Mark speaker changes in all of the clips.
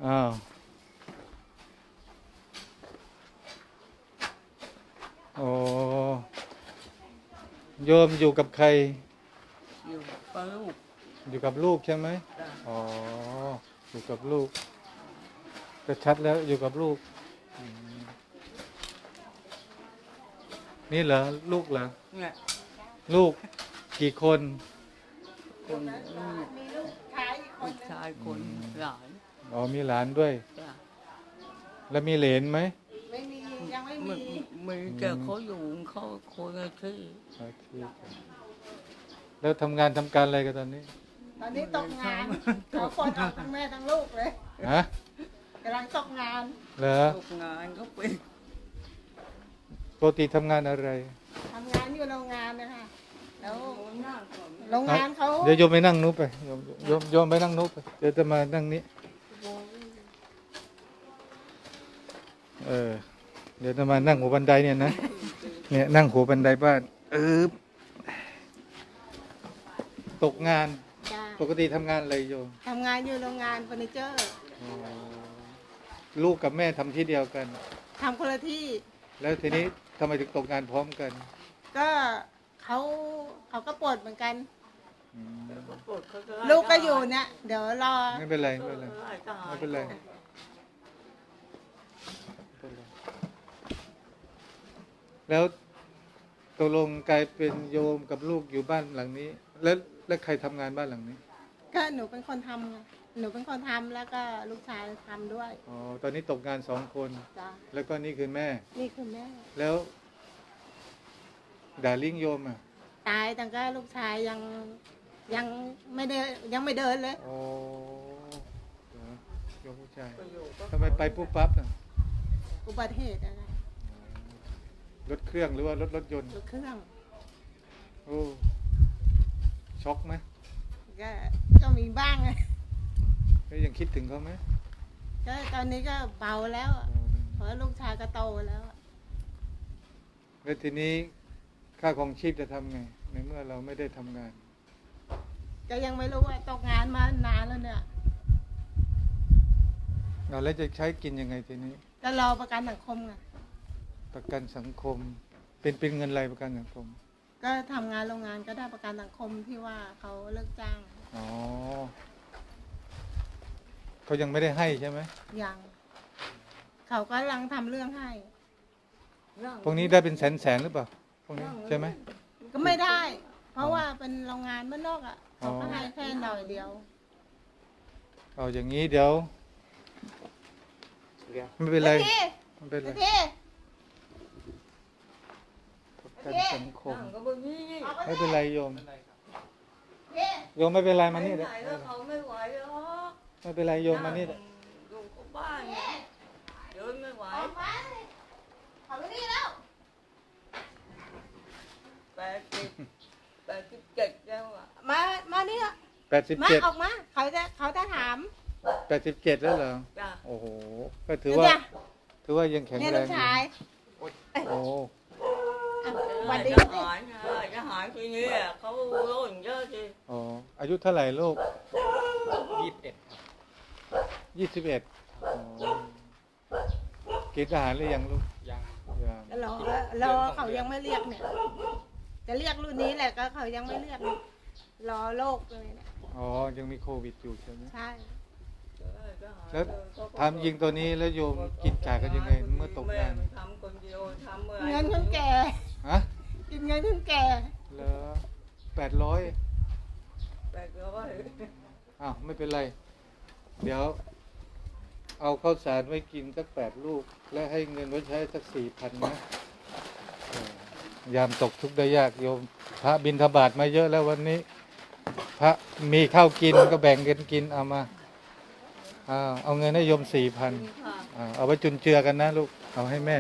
Speaker 1: อ้าวโอ้โยมอยู่กับใคร
Speaker 2: อยู่กับลูก
Speaker 1: อยู่กับลูกใช่ไหมอ๋ออยู่กับลูกก็ชัดแล้วอยู่กับลูกนี่เหรอลูกเหรอ
Speaker 2: เนี่ย
Speaker 1: ลูกกี่คน
Speaker 2: คนมีลูกชายคนหลาน
Speaker 1: อ๋อมีหลานด้วย
Speaker 2: จ้ะ
Speaker 1: แล้วมีเหลนไหม
Speaker 3: ไม่มียังไม่
Speaker 2: มี
Speaker 3: มี
Speaker 2: มีแต่เขาอยู่เขาคนละที่
Speaker 1: โอเคแล้วทำงานทำการอะไรกันตอนนี้
Speaker 3: ตอนนี้ตกงานเขาคนออกทั้งแม่ทั้งลูกเลย
Speaker 1: ฮะ
Speaker 3: กำลังตกงาน
Speaker 1: เหรอ
Speaker 2: ตกงานเขาเป็น
Speaker 1: ปกติทำงานอะไร
Speaker 3: ทำงานอยู่โรงงานนะคะแล้ว
Speaker 2: หน้าก่อน
Speaker 3: โรงงานเขา
Speaker 1: เดี๋ยวโยมไปนั่งนู้นไปโยมไปนั่งนู้นไปเดี๋ยวจะมานั่งนี้เดี๋ยวจะมานั่งหัวบันไดเนี่ยนะเนี่ยนั่งหัวบันไดบ้านตกงาน
Speaker 3: จ้ะ
Speaker 1: ปกติทำงานอะไรโยม
Speaker 3: ทำงานอยู่โรงงานเฟอร์นิเจอร์
Speaker 1: อ๋อลูกกับแม่ทำที่เดียวกัน
Speaker 3: ทำคนละที่
Speaker 1: แล้วทีนี้ทำไมถึงตกงานพร้อมกัน
Speaker 3: ก็เขาก็ปวดเหมือนกัน
Speaker 1: อืม
Speaker 2: ปวดเขาจะไ
Speaker 3: ลูกก็อยู่เนี่ยเดี๋ยวรอ
Speaker 1: ไม่เป็นไรไม่เป็นไร
Speaker 2: ไล่ทหาร
Speaker 1: ไม่เป็นไรแล้วตกลงกลายเป็นโยมกับลูกอยู่บ้านหลังนี้ แล้วใครทำงานบ้านหลังนี้
Speaker 3: ก็หนูเป็นคนทำไงหนูเป็นคนทำแล้วก็ลูกชายทำด้วย
Speaker 1: อ๋อตอนนี้ตกงาน2 คน
Speaker 3: จ้ะ
Speaker 1: แล้วก็นี่คือแม่
Speaker 3: นี่คือแม่
Speaker 1: แล้วดาริ่งโยมอ่ะ
Speaker 3: ตายแต่ก็ลูกชายยังไม่เดินเลย
Speaker 1: อ๋อเหรอโยมผู้ชาย
Speaker 2: ก็อยู่ก็
Speaker 1: ทำไมไปปุ๊บปั๊บอ่ะ
Speaker 3: อุบัติเหตุอะไร
Speaker 1: รถเครื่องหรือว่ารถยนต์
Speaker 3: รถเครื่อง
Speaker 1: โอ้ช็อกไหม
Speaker 3: ก็มีบ้างไง
Speaker 1: แล้วยังคิดถึงเขาไหม
Speaker 3: ก็ตอนนี้ก็เบาแล้วอะเพราะลูกชายก็โตแล้วอะ
Speaker 1: แล้วทีนี้ค่าของชีพจะทำไง ในเมื่อเราไม่ได้ทำงาน
Speaker 3: ก็ยังไม่รู้ว่าตกงานมานานแล้วเนี่ย
Speaker 1: เราแล้วจะใช้กินยังไงทีนี้
Speaker 3: ก็รอประกันสังคมไง
Speaker 1: ประกันสังคม เป็นเงินอะไรประกันสังคม
Speaker 3: ก็ทำงานโรงงานก็ได้ประกันสังคมที่ว่าเขาเลิกจ้าง
Speaker 1: อ๋อเขายังไม่ได้ให้ใช่ไหม
Speaker 3: ยังเขาก็กำลังทำเรื่องให้
Speaker 1: พวกนี้ได้เป็นแสนหรือเปล่าพวกนี้ใช่ไหม
Speaker 3: ก็ไม่ได้ เพราะว่าเป็นโรงงานบ้านนอกอ่ะเขาก็ให้แค่หน่อยเดียว
Speaker 1: เอาอย่างนี้เดี๋ยวไม่เป็นไรไม่เป็นไร
Speaker 3: พี่
Speaker 1: ประกันสังคม
Speaker 2: นั่งก็บนนี้นี่
Speaker 1: ไม่เป็นไรโยม
Speaker 3: พี่
Speaker 1: โยมไม่เป็นไรมา
Speaker 2: ไป
Speaker 1: นี่
Speaker 2: ไห
Speaker 1: เดี๋ย
Speaker 2: นแล้วเขาไม่ไหวแล้ว
Speaker 1: ไม่เป็นไรโยมมานี่เดี๋ยว
Speaker 2: อยู่กับบ้านเนี่ยเดินไม่ไหว
Speaker 3: ออกมาเขาไปนี่แล้ว
Speaker 2: 87แล้วอ่ะ
Speaker 3: มานี่ละ
Speaker 1: 87
Speaker 3: มาออกมาเขาจะถาม
Speaker 1: 87แล้วเหรอ
Speaker 2: จ้ะ
Speaker 1: โอ้โหก็ถือ
Speaker 3: เนี่ย
Speaker 1: ว่ายังแข็ง
Speaker 3: เนี่ย
Speaker 1: แร
Speaker 3: ลู
Speaker 1: ง
Speaker 3: ก
Speaker 1: อยู่
Speaker 3: ชาย
Speaker 1: โอ้
Speaker 3: อ่ะหวันดี
Speaker 2: ท
Speaker 3: สิ
Speaker 2: หารไงทหารทีนี้อะเขาโล่นเยอะสิ
Speaker 1: อ๋ออายุเท่าไหร่ลูก
Speaker 4: 21
Speaker 1: 21อ๋อเกณฑ์ทหารหรือยังลูก
Speaker 4: ยัง
Speaker 1: ยัง
Speaker 3: รอเขายังไม่เรียกเนี่ย จะเรียกรุ่นนี้แหละก็เขายังไม่เรียกเนี่ยรอโรคเลยเนี่ย
Speaker 1: อ๋อยังมีโควิดอยู่ใช่ไหม
Speaker 3: ใช่
Speaker 1: แล้วทำยิงตัวนี้แล้วโยมกินจ่ายกันยังไงเมื่อตกงาน
Speaker 2: แม่ทำคนเดียวทำเมื่อ
Speaker 3: เงินคนแก่
Speaker 1: ฮะ
Speaker 3: กินเงินคนแก่
Speaker 1: เหรอ800
Speaker 2: 800
Speaker 1: อ้าวไม่เป็นไร เดี๋ยว เอาข้าวสารไว้กินสัก8 ลูก และให้เงินไว้ใช้สัก4,000นะยามตกทุกข์ได้ยากโยม พระบิณฑบาตมาเยอะแล้ววันนี้ พระมีข้าวกินก็แบ่งกันกินเอามาเอาเงินให้โยม4,000เอาไว้จุนเจือกันนะลูกเอาให้แม่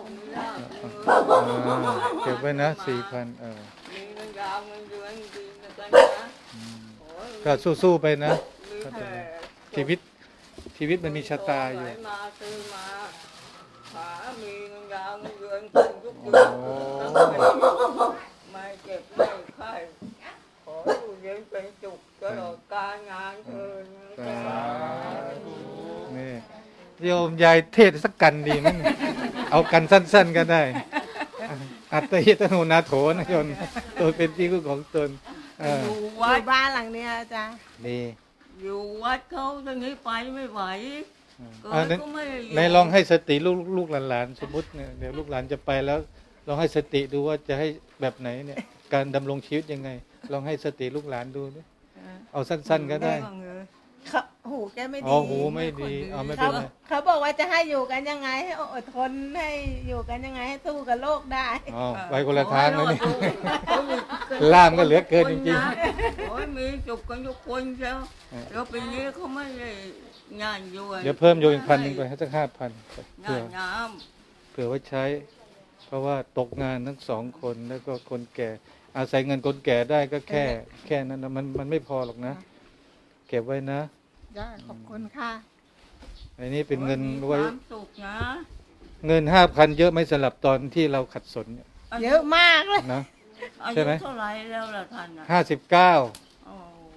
Speaker 1: เก็บไว้นะ4,000
Speaker 2: มีเงินดาวเงินเดือนดีนะจ๊ะนะ
Speaker 1: ก็สู้ๆไปนะ
Speaker 2: มีแผ่
Speaker 1: ชีวิตมันมีชะตาอยู่
Speaker 2: มาซื้อมาหามีเงินดาวเงินเดือนขึ้นทุกเดือนไม่เจ็บไม่ไข้ขออยู่เย็นเป็นสุขตลอดการงานเถิด
Speaker 1: นี่โยมยายเทศสักกันดีไหมเนี่ยเอากันสั้นๆก็ได้ อัตติตโนนาโถนะโยมตัวเป็นที่พึ่งของตน
Speaker 2: อยู่
Speaker 3: อ
Speaker 2: วัด
Speaker 3: ยู่บ้านหลังเนี้ยอาจารย์
Speaker 1: ดี
Speaker 2: อยู่วัดเขาตอนนี้ไปไม่ไหวเกิ
Speaker 1: อ่า
Speaker 2: ดก็ไม่ได้ยู่
Speaker 1: ในลองให้สติลูกหลานๆสมมติเนี่ยเดี๋ยวลูกหลานจะไปแล้วลองให้สติดูว่าจะให้แบบไหนเนี่ยการดำรงชีวิตยังไง ลองให้สติลูกหลานดูดิเอาสั้นๆก็ได้
Speaker 2: บ้างเลย
Speaker 3: เขาหูแกไม่
Speaker 1: อ๋อ
Speaker 3: ดี
Speaker 1: หูไม่ดีเอาไม่
Speaker 3: เขา
Speaker 1: เป็นไร
Speaker 3: เขาบอกว่าจะให้อยู่กันยังไงให้อดทนให้อยู่กันยังไงให้สู้กับโลกได้
Speaker 1: อ๋อไปคนละทางเลยนี่
Speaker 2: โอ้ย
Speaker 1: ล่ามก็เหลือเกินจริง
Speaker 2: โอ้ยมีจุกกันทุกคนเชียวแล้วปีนี้เขาไม่ได้งานอยู่
Speaker 1: ๆเดี๋ยวเพิ่มโยอีก1,000ไปให้สัก5,000
Speaker 2: งา
Speaker 1: เผื่อน
Speaker 2: น้
Speaker 1: เผื่อไว้ใช้ เพราะว่าตกงานทั้ง2 คนแล้วก็คนแก่ อาศัยเงินคนแก่ได้ก็แค่นั้นนะมันไม่พอหรอกนะ เก็บไว้นะ
Speaker 3: จ้าขอบคุณค่ะ
Speaker 1: อันนี้
Speaker 2: ำ
Speaker 1: เป็นเงิน
Speaker 2: มี
Speaker 1: ไว้
Speaker 2: ความสุขนะ
Speaker 1: เงิน 5,000 เยอะไหม่สลับตอนที่เราขัดสนเนี่ย
Speaker 3: เยอะมากเลย
Speaker 1: นะ
Speaker 2: อา
Speaker 1: ใช่
Speaker 2: ยุ
Speaker 1: ไหม
Speaker 2: เท่าไหรแล้วล่ะท่านอ่ะ
Speaker 1: 59
Speaker 2: โอ้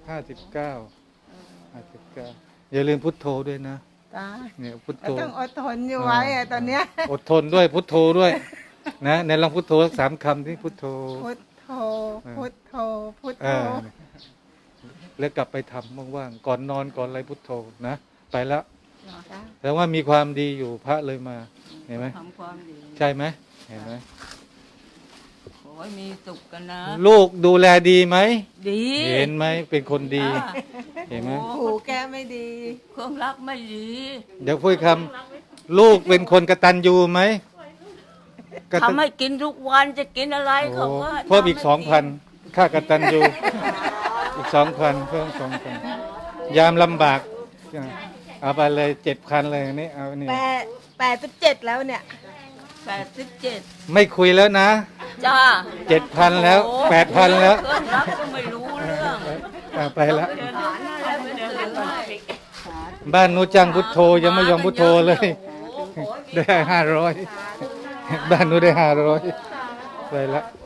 Speaker 1: 59อย่าลืมพุทโธด้วยนะ
Speaker 3: จ้า
Speaker 1: เนี่ยพุท
Speaker 3: ก็
Speaker 1: โธ
Speaker 3: ต้องอดทนอยู่ไว้อะตอนเนี้ย
Speaker 1: อดทนด้วยพุทโธด้วย นะในลองพุทโธสัก3 คำที่พุทโธ
Speaker 3: พุทโธพุทโธพุท
Speaker 1: เอ
Speaker 3: โธ
Speaker 1: อแล้วกลับไปทำว่างๆก่อนนอนก่อนอะไรพุทโธนะไปแล้ว
Speaker 3: จ้า
Speaker 1: แต่ว่ามีความดีอยู่พระเลยมาเห็นไหม
Speaker 2: ทำความดี
Speaker 1: ใช่ไหมเห็นไหม
Speaker 2: ขอให้มีสุขกันนะ
Speaker 1: ลูกดูแลดีไหม
Speaker 2: ดี
Speaker 1: เห็นไหมเป็นคนดี
Speaker 2: อ่ะ
Speaker 1: เห็นไหม
Speaker 2: โอ้
Speaker 3: หูแกไม่ดี
Speaker 2: เครื่องรักไม่ดี
Speaker 1: เดี๋ยวพูดคำลูกเป็นคนกตัญญูไหมกตัญ
Speaker 2: ทำให้กินทุกวันจะกินอะไร
Speaker 1: โอ้
Speaker 2: เขาก็
Speaker 1: เพิ่มอีก
Speaker 2: ทำให้น
Speaker 1: 2,000ค่ากตัญญูอีก 2,000เพิ่ม2,000ยามลำบากเอาไปเลย7,000เลยนี่เอานี่
Speaker 3: 87แล้วเนี่ย
Speaker 2: 87
Speaker 1: ไม่คุยแล้วนะ
Speaker 2: จ้า
Speaker 1: 7,000แล้ว
Speaker 2: โอ้
Speaker 1: 8,000แล้ว
Speaker 2: เครื่องรักก็ไม่รู้เรื่อง
Speaker 1: ไปแล้ว
Speaker 2: ฐานอะไรไม่ได้เลย
Speaker 1: บ้านนู้จังพุทโธยังไม่ยอมพุทโธเลย
Speaker 2: โอ้โห
Speaker 1: ได้500บ้านนู้ได้500ไปแล้ว